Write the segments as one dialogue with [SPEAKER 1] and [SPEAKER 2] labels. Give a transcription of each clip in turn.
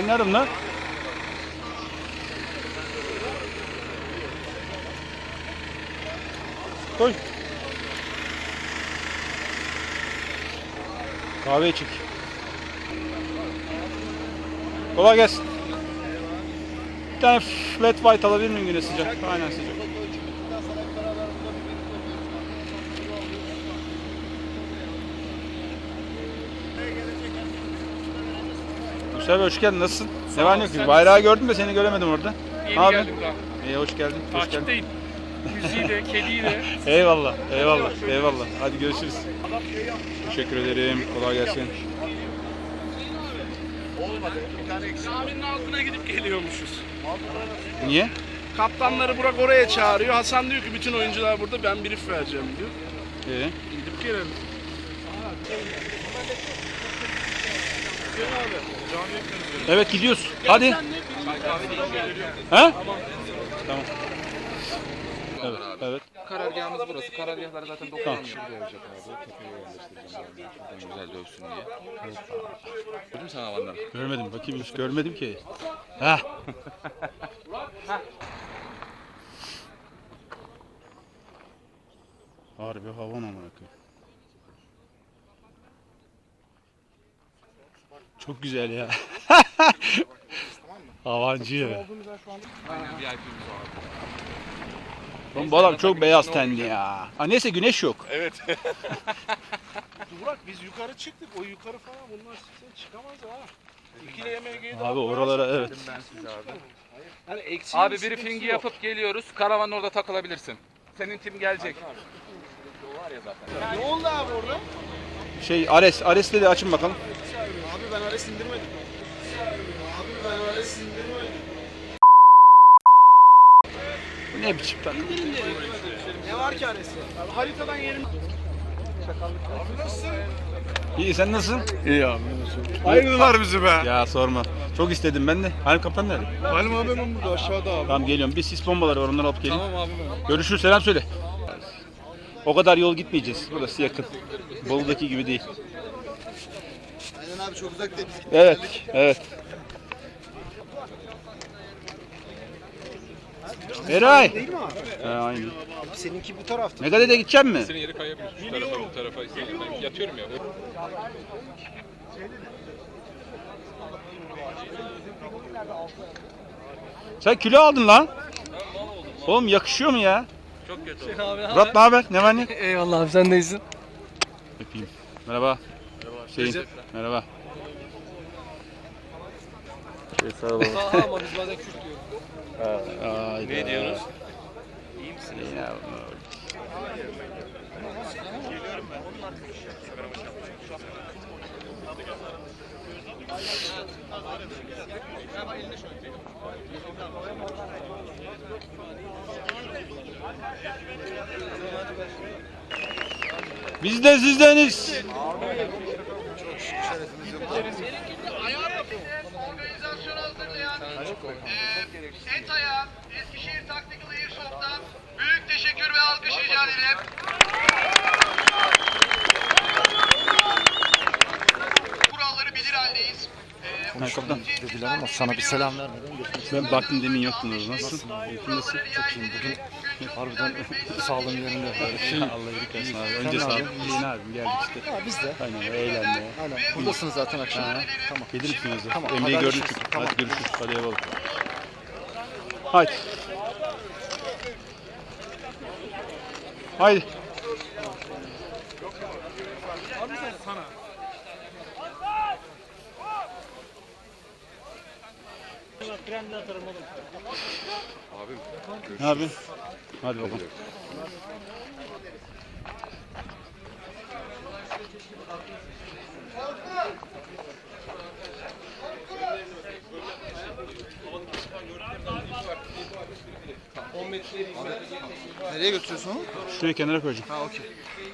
[SPEAKER 1] Oynarım lan. Koy. Kahve içik. Kolay gelsin. Bir tane flat white alabilir miyim güne sıcak? Aynen sıcak. Güzel, hoş geldin. Nasılsın? Ne var ne yok? Bayrağı gördüm de seni göremedim orada.
[SPEAKER 2] Yeni
[SPEAKER 1] abi
[SPEAKER 2] geldim daha.
[SPEAKER 1] İyi, hoş geldin. Hoş geldin.
[SPEAKER 2] Takipteyim. Müziği de, kediyi de.
[SPEAKER 1] Eyvallah, eyvallah, eyvallah. Hadi görüşürüz. Teşekkür ederim. Kolay gelsin.
[SPEAKER 2] Caminin altına gidip geliyormuşuz.
[SPEAKER 1] Niye?
[SPEAKER 2] Kaptanları Burak oraya çağırıyor. Hasan diyor ki bütün oyuncular burada, ben brief vereceğim diyor. Gidip gelelim.
[SPEAKER 1] Evet, gidiyoruz. Hadi. Ha? Tamam. Evet, evet.
[SPEAKER 3] Karargahımız burası. Karargahları zaten 90 kişi buraya verecek abi. Tepeye yerleştireceğim abi. Şuradan güzel dövsün diye. Gördün mü sen havanları?
[SPEAKER 1] Görmedim, bakayım hiç görmedim ki. Ha. Harbi havan amına koyayım. Çok güzel ya. Havancı ya.
[SPEAKER 3] Aynen VIP'miz o abi.
[SPEAKER 1] Oğlum bu adam çok beyaz tenli ya. Ha, neyse güneş yok.
[SPEAKER 3] Evet.
[SPEAKER 2] Burak biz yukarı çıktık. O yukarı falan bunlar çıkamaz ha. İkili yemeğe
[SPEAKER 1] Abi oralara evet.
[SPEAKER 3] Ben size abi.
[SPEAKER 2] Yani
[SPEAKER 3] Abi briefingi yapıp geliyoruz. Karavanın orada takılabilirsin. Senin tim gelecek. O var ya zaten.
[SPEAKER 2] Ne oldu abi orada?
[SPEAKER 1] Şey Ares'le de açın bakalım.
[SPEAKER 2] Abi ben Ares indirmedim. Abi ben Ares indirmedim.
[SPEAKER 1] Bu ne biçim tan?
[SPEAKER 2] Ne var ki Ares'te? Haritadan yerim. Abi nasılsın?
[SPEAKER 1] İyi, sen nasılsın?
[SPEAKER 4] İyi abi.
[SPEAKER 1] Ayrıldılar bizi be. Ya sorma. Çok istedim ben de. Halim kaptan nerede?
[SPEAKER 4] Halim abi ben burada aşağıda abi.
[SPEAKER 1] Tamam geliyorum. Bir sis bombaları var, onları alıp geleyim.
[SPEAKER 4] Tamam abi ben.
[SPEAKER 1] Görüşürüz, selam söyle. O kadar yol gitmeyeceğiz. Burası yakın. Bolu'daki gibi değil.
[SPEAKER 4] Aynen abi çok uzak değil.
[SPEAKER 1] Evet, evet. Eray.
[SPEAKER 4] Değil mi abi?
[SPEAKER 1] Aynen.
[SPEAKER 4] Seninki bu tarafta.
[SPEAKER 1] Megade'de gidecek mi?
[SPEAKER 3] Senin yeri kayabilir. Şu tarafa bu tarafa istedim. Ben yatıyorum ya.
[SPEAKER 1] Sen kilo aldın lan. Oğlum yakışıyor mu ya?
[SPEAKER 3] Çok kötü.
[SPEAKER 1] Murat ne haber? Ne var ne?
[SPEAKER 4] Eyvallah abi sen neysin?
[SPEAKER 1] Öpeyim. Merhaba. Şeyin. Merhaba. Sağ olun.
[SPEAKER 4] Ama biz bazen Kürt diyoruz.
[SPEAKER 1] Ne diyorsunuz? İyi misiniz? Ya, biz de sizdeniz.
[SPEAKER 5] Organizasyonu hazırlayan ETA'ya, Eskişehir Tactical Airsoft'tan büyük teşekkür ve alkış rica ederim. Kuralları bilir haldeyiz.
[SPEAKER 1] Kaptan.
[SPEAKER 4] Dediler ama sana bir selam vermeden
[SPEAKER 1] Ben baktım, demin yoktun orada. Nasılsın? Nasıl?
[SPEAKER 4] çok iyiyim. Bugün harbiden sağlığım yerinde.
[SPEAKER 1] Allah iyilik versin abi. Önce sağ ol. Yeni abim geldik işte.
[SPEAKER 4] Ya biz de.
[SPEAKER 1] Aynen, eğlenmeye.
[SPEAKER 4] Aynen. Buradasınız zaten akşam. Tamam.
[SPEAKER 1] Gelir misiniz?
[SPEAKER 4] Tamam,
[SPEAKER 1] Emre'yi gördük
[SPEAKER 4] haberleşiriz.
[SPEAKER 1] çünkü.
[SPEAKER 4] Tamam.
[SPEAKER 1] Hadi görüşürüz. Hadi eyvallah. Haydi. Haydi.
[SPEAKER 3] Abim.
[SPEAKER 1] Ne yapayım? Hadi bakalım.
[SPEAKER 4] Nereye götürüyorsun onu?
[SPEAKER 1] Şuraya kenara koyacağım.
[SPEAKER 4] Ha okey.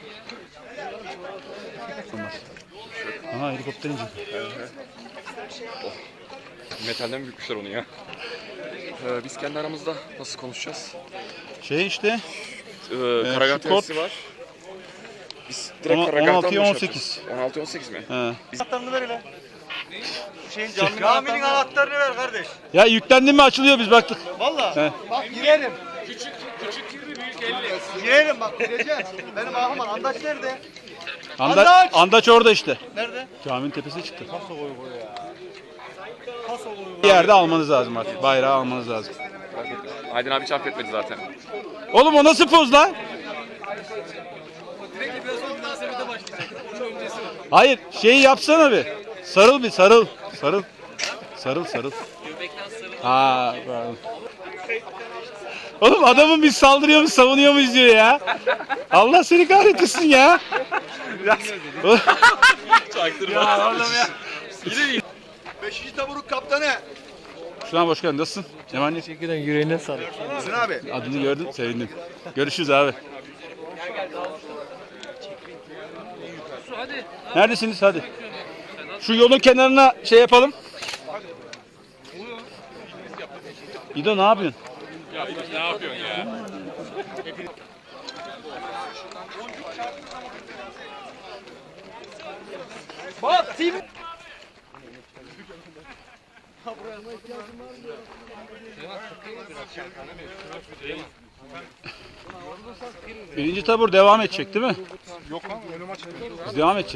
[SPEAKER 1] Olmaz. Aha, helikopter inecek.
[SPEAKER 3] Metalden bükmüşler onu ya. Biz kendi aramızda nasıl konuşacağız?
[SPEAKER 1] Şey işte.
[SPEAKER 3] Karargah
[SPEAKER 1] şu kod-
[SPEAKER 3] tesisi var. Biz direkt karargahtan
[SPEAKER 1] 16'ya
[SPEAKER 3] mı
[SPEAKER 1] 18.
[SPEAKER 3] 16-18 mi?
[SPEAKER 1] He.
[SPEAKER 3] Biz...
[SPEAKER 6] Caminin anahtarını ver kardeş.
[SPEAKER 1] Ya yüklendi mi açılıyor biz baktık.
[SPEAKER 6] Valla. Bak girelim. Küçük 20 büyük 50. Girelim bak gireceğiz. Benim ahım Andaç nerede?
[SPEAKER 1] Andaç orada işte.
[SPEAKER 6] Nerede?
[SPEAKER 1] Caminin tepesine çıktı. Bir yerde almanız lazım artık. Bayrağı almanız lazım.
[SPEAKER 3] Aydın abi hiç affetmedi zaten.
[SPEAKER 1] Oğlum o nasıl poz lan? Hayır şeyi yapsana bir. Sarıl bir sarıl. Sarıl. Sarıl. Ha, pardon. Oğlum adamın biz saldırıyor mu savunuyor muyuz diyor ya. Allah seni kahretsin ya.
[SPEAKER 3] Çaktırma.
[SPEAKER 6] Beşinci taburuk kaptanı.
[SPEAKER 1] Şuna hoş geldin. Nasılsın? Cemal ne?
[SPEAKER 4] Teşekkürler, yüreğine sağlık.
[SPEAKER 6] Hüsnü abi.
[SPEAKER 1] Adını gördüm, sevindim. Görüşürüz abi. Neredesiniz? Hadi. Şu yolun kenarına şey yapalım. İdo ne yapıyorsun?
[SPEAKER 3] Ne yapıyorsun ya?
[SPEAKER 1] Birinci tabur devam edecek değil mi?
[SPEAKER 2] Yok lan önüm açık.
[SPEAKER 1] Biz devam edeceğiz.